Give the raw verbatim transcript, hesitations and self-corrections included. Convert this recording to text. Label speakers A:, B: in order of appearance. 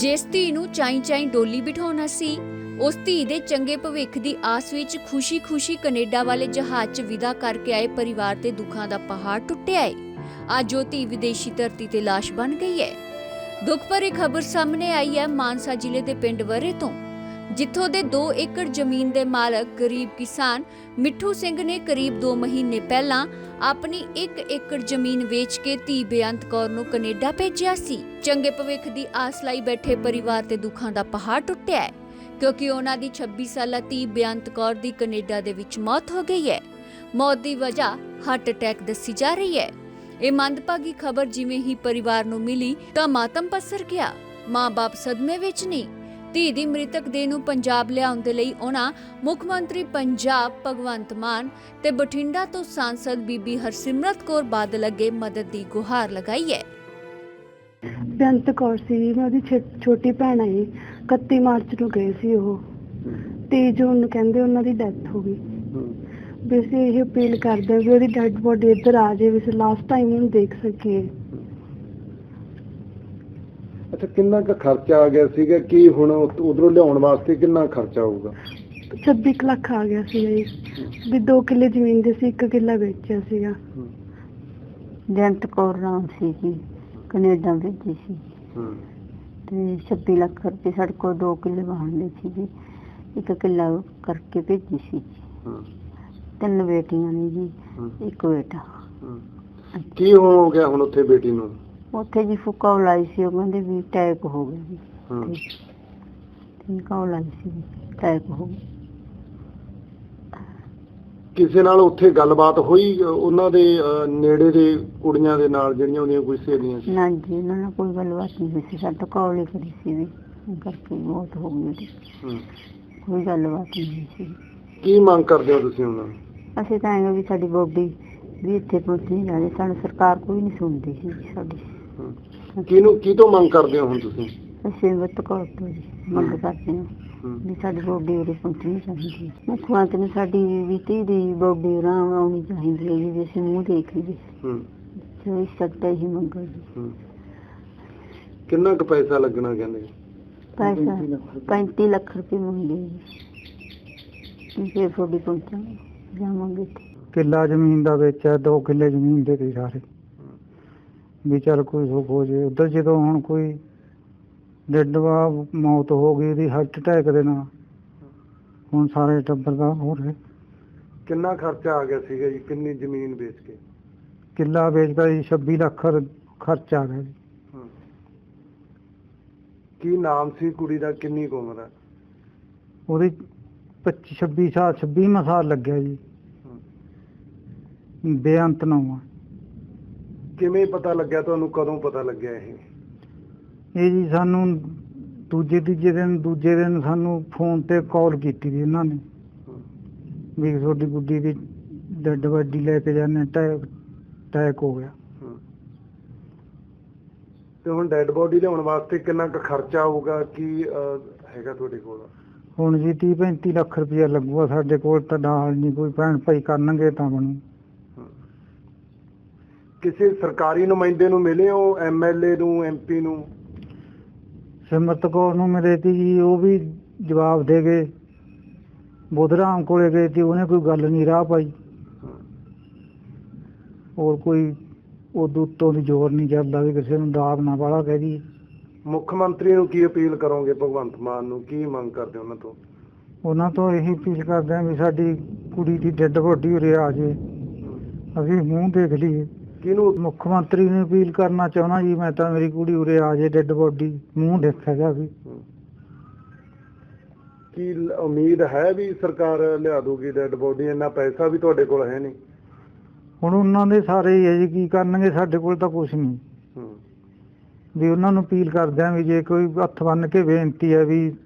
A: ਜਿਸ ਧੀ ਨੂੰ ਚਾਈ ਚਾਈ ਡੋਲੀ ਬਿਠਾਉਣਾ ਸੀ, ਉਸ ਧੀ ਦੇ ਚੰਗੇ ਭਵਿੱਖ ਦੀ ਆਸ ਵਿੱਚ ਖੁਸ਼ੀ-ਖੁਸ਼ੀ ਕੈਨੇਡਾ ਵਾਲੇ ਜਹਾਜ਼ 'ਚ ਵਿਦਾ ਕਰਕੇ ਆਏ ਪਰਿਵਾਰ ਤੇ ਦੁੱਖਾਂ ਦਾ ਪਹਾੜ ਟੁੱਟਿਆ ਹੈ। ਅੱਜ ਉਹ ਧੀ ਵਿਦੇਸ਼ੀ ਧਰਤੀ ਤੇ ਲਾਸ਼ ਬਣ ਗਈ ਹੈ। ਦੁੱਖ ਭਰੀ ਖਬਰ ਸਾਹਮਣੇ ਆਈ ਹੈ ਮਾਨਸਾ ਜ਼ਿਲ੍ਹੇ ਦੇ ਪਿੰਡ ਵਰੇ ਤੋਂ, ਜਿੱਥੋਂ ਦੇ ਦੋ ਏਕੜ ਜ਼ਮੀਨ ਦੇ ਮਾਲਕ ਗਰੀਬ ਕਿਸਾਨ ਮਿੱਠੂ ਸਿੰਘ ਨੇ ਕਰੀਬ ਦੋ ਮਹੀਨੇ ਪਹਿਲਾਂ ਆਪਣੀ ਇੱਕ ਏਕੜ ਜ਼ਮੀਨ ਵੇਚ ਕੇ ਧੀ ਬੇਅੰਤ ਕੌਰ ਨੂੰ ਕੈਨੇਡਾ ਭੇਜਿਆ ਸੀ। ਚੰਗੇ ਭਵਿੱਖ ਦੀ ਆਸ ਲਈ ਬੈਠੇ ਪਰਿਵਾਰ ਤੇ ਦੁੱਖਾਂ ਦਾ ਪਹਾੜ ਟੁੱਟਿਆ ਹੈ, ਕਿਉਂਕਿ ਉਹਨਾਂ ਦੀ ਛੱਬੀ ਸਾਲਾ ਧੀ ਬੇਅੰਤ ਕੌਰ ਦੀ ਕੈਨੇਡਾ ਦੇ ਵਿੱਚ ਮੌਤ ਹੋ ਗਈ ਹੈ। ਮੌਤ ਦੀ ਵਜ੍ਹਾ ਹਾਰਟ ਅਟੈਕ ਦੱਸੀ ਜਾ ਰਹੀ ਹੈ। ਇਹ ਮੰਦਭਾਗੀ ਖਬਰ ਜਿਵੇਂ ਹੀ ਪਰਿਵਾਰ ਨੂੰ ਮਿਲੀ ਤਾਂ ਮਾਤਮ ਪਸਰ ਗਿਆ। ਮਾਂ-ਬਾਪ ਸਦਮੇ ਵਿੱਚ ਨੇ। ਧੀ ਦੀ ਮ੍ਰਿਤਕ ਦੇਹ ਨੂੰ ਪੰਜਾਬ ਲਿਆਉਣ ਦੇ ਲਈ ਉਹਨਾਂ ਮੁੱਖ ਮੰਤਰੀ ਪੰਜਾਬ ਭਗਵੰਤ ਮਾਨ ਤੇ ਬਠਿੰਡਾ ਤੋਂ ਸਾਂਸਦ ਬੀਬੀ ਹਰਸਿਮਰਤ ਕੌਰ ਬਾਦਲ ਅੱਗੇ ਮਦਦ ਦੀ ਗੁਹਾਰ ਲਗਾਈ ਹੈ।
B: ਬੇਅੰਤ ਕੌਰ ਸੀ, ਮੈਂ ਉਹਦੀ ਛੋਟੀ ਭੈਣ ਹੈ। ਇਕੱਤੀ ਮਾਰਚ ਨੂੰ ਗਏ ਸੀ ਉਹ, ਤੇਈ ਜੂਨ ਨੂੰ ਕਹਿੰਦੇ ਉਹਨਾਂ ਦੀ ਡੈਥ ਹੋ ਗਈ। ਵੀ ਅਸੀਂ ਇਹ ਅਪੀਲ ਕਰਦੇ ਵੀ ਉਹਦੀ ਡੈਡ ਬੋਡੀ ਇੱਧਰ ਆ ਜਾਏ, ਵੀ ਅਸੀਂ ਲਾਸਟ ਟਾਈਮ ਉਹਨੂੰ ਦੇਖ ਸਕੀਏ।
C: ਅੱਛਾ, ਕਿੰਨਾ ਕੁ ਖਰਚਾ ਆ ਗਿਆ ਸੀਗਾ? ਕੀ ਹੁਣ ਉਧਰੋਂ ਲਿਆਉਣ ਵਾਸਤੇ ਕਿੰਨਾ ਖਰਚਾ ਆਊਗਾ?
B: ਛੱਬੀ ਕੁ ਲੱਖ ਆ ਗਿਆ ਸੀ ਜੀ। ਵੀ ਦੋ ਕਿੱਲੇ ਜ਼ਮੀਨ ਦੇ ਸੀ, ਇੱਕ ਕਿੱਲਾ ਵੇਚਿਆ ਸੀਗਾ।
D: ਬੇਅੰਤ ਕੌਰ ਨਾਮ ਸੀ ਜੀ, ਕੈਨੇਡਾ ਭੇਜੀ ਸੀ ਤੇ ਛੱਬੀ ਲੱਖ ਰੁਪਏ ਸਾਡੇ ਕੋਲ ਦੋ ਕਿੱਲੇ ਵਾਹਣਦੇ ਸੀ ਜੀ, ਇੱਕ ਕਿੱਲਾ ਕਰਕੇ ਭੇਜੀ ਸੀ ਜੀ। ਤਿੰਨ ਬੇਟੀਆਂ ਨੇ ਜੀ, ਇੱਕ ਬੇਟਾ।
C: ਕੀ ਹੋ ਗਿਆ ਹੁਣ ਉੱਥੇ ਬੇਟੀ ਨੂੰ?
D: ਉੱਥੇ ਜੀ ਫੁੱਕਾ ਲਾਈ ਸੀ, ਉਹ ਕਹਿੰਦੇ ਵੀ ਅਟੈਕ ਹੋ ਗਿਆ ਜੀ। ਫੁੱਕਾ ਲਾਈ ਸੀ, ਅਟੈਕ ਹੋ ਗਿਆ।
C: ਕਿਸੇ ਨਾਲ ਉੱਥੇ ਗੱਲਬਾਤ ਹੋਈ ਉਹਨਾਂ ਦੇ ਨੇੜੇ ਦੇ ਕੁੜੀਆਂ ਦੇ ਨਾਲ, ਜਿਹੜੀਆਂ ਉਹਦੀਆਂ ਕੋਈ ਸਹੇਲੀਆਂ ਸੀ?
D: ਨਾ ਜੀ, ਉਹਨਾਂ ਨਾਲ ਕੋਈ ਗੱਲਬਾਤ ਨਹੀਂ ਹੋਈ ਸੀ। ਸਾਡਾ ਕਾਲ ਹੀ ਕਰੀ ਸੀ ਵੀ ਕਰਕੇ ਮੌਤ ਹੋ ਗਈ ਉਹਦੀ। ਕੋਈ ਗੱਲਬਾਤ ਨਹੀਂ ਹੋਈ ਸੀ।
C: ਕੀ ਮੰਗ ਕਰਦੇ ਹੋ ਤੁਸੀਂ ਉਹਨਾਂ ਨੂੰ?
D: ਅਸੀਂ ਤਾਂ ਐਂ ਵੀ ਸਾਡੀ ਬੋਡੀ ਵੀ ਇੱਥੇ ਪਹੁੰਚਣੀ ਜਾਵੇ, ਸਾਨੂੰ ਸਰਕਾਰ ਕੋਈ ਨਹੀਂ ਸੁਣਦੀ ਸੀ ਸਾਡੀ।
C: ਕਿਹਨੂੰ ਕੀ ਤੋਂ ਮੰਗ ਕਰਦੇ ਹੋ ਹੁਣ ਤੁਸੀਂ?
D: ਅਸੀਂ ਵੱਤ ਕੌਰ ਤੋਂ ਜੀ ਮੰਗ ਕਰਦੇ ਹਾਂ ਵੀ ਸਾਡੀ ਬੋਡੀ ਉਰੇ ਪਹੁੰਚਣੀ ਚਾਹੀਦੀ ਹੈ। ਮੁੱਖ ਮੰਤਰੀ ਨੇ ਸਾਡੀ ਵੀ ਧੀ ਦੀ ਬੋਡੀ ਉਰਾਂ ਆਉਣੀ ਚਾਹੀਦੀ ਹੈ ਜੀ, ਵੀ ਅਸੀਂ ਮੂੰਹ ਦੇਖ ਲਈਏ। ਜੋ ਇਸ ਸਕਦਾ ਹੀ ਮੰਗੋ ਜੀ।
C: ਕਿੰਨਾ ਕੁ ਪੈਸਾ ਲੱਗਣਾ ਕਹਿੰਦੇ?
D: ਪੈਸਾ ਪੈਂਤੀ ਲੱਖ ਰੁਪਏ ਮੰਗੇ ਜੀ। ਫਿਰ ਤੁਹਾਡੀ ਪਹੁੰਚਾਂਗੇ, ਜਾਵਾਂਗੇ।
E: ਕਿੱਲਾ ਜ਼ਮੀਨ ਦਾ ਵੇਚਿਆ, ਦੋ ਕਿੱਲੇ ਜ਼ਮੀਨ ਦੇ ਤੇ ਸਾਰੇ ਵੀ ਚੱਲ ਕੋਈ ਸੁੱਖ ਹੋ ਜੇ ਉੱਧਰ। ਜਦੋਂ ਹੁਣ ਕੋਈ ਡੈਡ ਮੌਤ ਹੋ ਗਈ ਉਹਦੀ ਹਾਰਟ ਅਟੈਕ ਦੇ ਨਾਲ, ਹੁਣ ਸਾਰੇ ਟੱਬਰ ਦਾ ਹੋ ਰਿਹਾ।
C: ਕਿੰਨਾ ਖਰਚਾ ਆ ਗਿਆ ਸੀਗਾ ਜੀ? ਕਿੰਨੀ ਜ਼ਮੀਨ ਵੇਚ ਕੇ?
E: ਕਿੱਲਾ ਵੇਚਦਾ ਜੀ, ਛੱਬੀ ਲੱਖ ਖਰਚਾ ਆ ਗਿਆ ਜੀ।
C: ਕੀ ਨਾਮ ਸੀ ਕੁੜੀ ਦਾ? ਕਿੰਨੀ ਕੁ ਉਮਰ ਹੈ
E: ਉਹਦੀ? ਪੱਚੀ ਛੱਬੀ ਸਾਲ ਛੱਬੀਵਾਂ ਸਾਲ ਲੱਗਿਆ ਜੀ। ਬੇਅੰਤ ਨਾਮ।
C: ਕਿਵੇਂ ਪਤਾ ਲੱਗਿਆ ਤੁਹਾਨੂੰ? ਕਦੋਂ ਪਤਾ ਲੱਗਿਆ ਇਹ?
E: ਇਹ ਜੀ ਸਾਨੂੰ ਦੂਜੇ ਤੀਜੇ ਦਿਨ ਦੂਜੇ ਦਿਨ ਸਾਨੂੰ ਫੋਨ ਤੇ ਕਾਲ ਕੀਤੀ ਸੀ ਇਹਨਾਂ ਨੇ ਵੀ ਤੁਹਾਡੀ ਗੁੱਡੀ ਦੀ ਡੈਡ ਬੋਡੀ ਲੈ ਕੇ ਜਾਂਦੇ, ਅਟੈਕ ਅਟੈਕ ਹੋ ਗਿਆ।
C: ਤੇ ਹੁਣ ਡੈਡ ਬੋਡੀ ਲਿਆਉਣ ਵਾਸਤੇ ਕਿੰਨਾ ਕੁ ਖਰਚਾ ਆਊਗਾ? ਕੀ ਹੈਗਾ ਤੁਹਾਡੇ ਕੋਲ?
E: ਹੁਣ ਜੀ ਤੀਹ ਪੈਂਤੀ ਲੱਖ ਰੁਪਇਆ ਲੱਗੂਗਾ ਸਾਡੇ ਕੋਲ ਤਾਂ ਨਾਲ ਨਹੀਂ, ਕੋਈ ਭੈਣ ਭਾਈ ਕਰਨਗੇ ਤਾਂ ਬਣੂ।
C: ਕਿਸੇ ਸਰਕਾਰੀ ਨੁਮਾਇੰਦੇ ਨੂੰ ਮਿਲੇ ਹੋ? ਐਮ ਐਲ ਏ ਨੂੰ, ਐਮ ਪੀ ਨੂੰ?
E: ਸਿਮਰਤ ਕੌਰ ਨੂੰ ਮਿਲੇ ਤੀ ਜੀ, ਉਹ ਵੀ ਜਵਾਬ ਦੇ ਗਏ। ਬੁੱਧਰਾਮ ਕੋਲੇ ਗਏ ਸੀ, ਉਹਨੇ ਕੋਈ ਗੱਲ ਨਹੀਂ ਰਾਹ ਪਾਈ। ਹੋਰ ਕੋਈ ਉਦੋਂ ਉੱਤੋਂ ਦੀ ਜ਼ੋਰ ਨਹੀਂ ਚੱਲਦਾ ਵੀ ਕਿਸੇ ਨੂੰ ਦਾਬ ਨਾ ਵਾਲਾ ਕਹਿ ਦੀ।
C: ਮੁੱਖ ਮੰਤਰੀ ਨੂੰ ਕੀ ਅਪੀਲ ਕਰੋਗੇ? ਭਗਵੰਤ ਮਾਨ ਨੂੰ ਕੀ ਮੰਗ ਕਰਦੇ ਉਹਨਾਂ ਤੋਂ?
E: ਉਹਨਾਂ ਤੋਂ ਇਹੀ ਅਪੀਲ ਕਰਦੇ ਹਾਂ ਵੀ ਸਾਡੀ ਕੁੜੀ ਦੀ ਡੈਡ ਬੋਡੀ ਉਰੇ ਆ ਜਾਏ, ਅਸੀਂ ਮੂੰਹ ਦੇਖ ਲਈਏ।
C: ਕਿਹਨੂੰ?
E: ਮੁੱਖ ਮੰਤਰੀ ਨੂੰ ਅਪੀਲ ਕਰਨਾ ਚਾਹੁੰਦਾ ਜੀ ਮੈਂ ਤਾਂ, ਮੇਰੀ ਕੁੜੀ ਉਰੇ ਆ ਜਾਏ, ਡੈਡ ਬੋਡੀ ਮੂੰਹ ਦੇਖਿਆ ਜਾਵੇ।
C: ਕੀ ਉਮੀਦ ਹੈ ਵੀ ਸਰਕਾਰ ਲਿਆ ਦੂਗੀ ਡੈਡ ਬੋਡੀ? ਇੰਨਾ ਪੈਸਾ ਵੀ ਤੁਹਾਡੇ ਕੋਲ ਹੈ ਨਹੀਂ।
E: ਹੁਣ ਉਹਨਾਂ ਦੇ ਸਾਰੇ ਹੀ ਹੈ ਜੀ, ਕੀ ਕਰਨਗੇ? ਸਾਡੇ ਕੋਲ ਤਾਂ ਕੁਛ ਨਹੀਂ। ਵੀ ਉਹਨਾਂ ਨੂੰ ਅਪੀਲ ਕਰਦੇ ਹਾਂ ਵੀ ਜੇ ਕੋਈ ਹੱਥ ਬੰਨ੍ਹ ਕੇ ਬੇਨਤੀ ਹੈ ਵੀ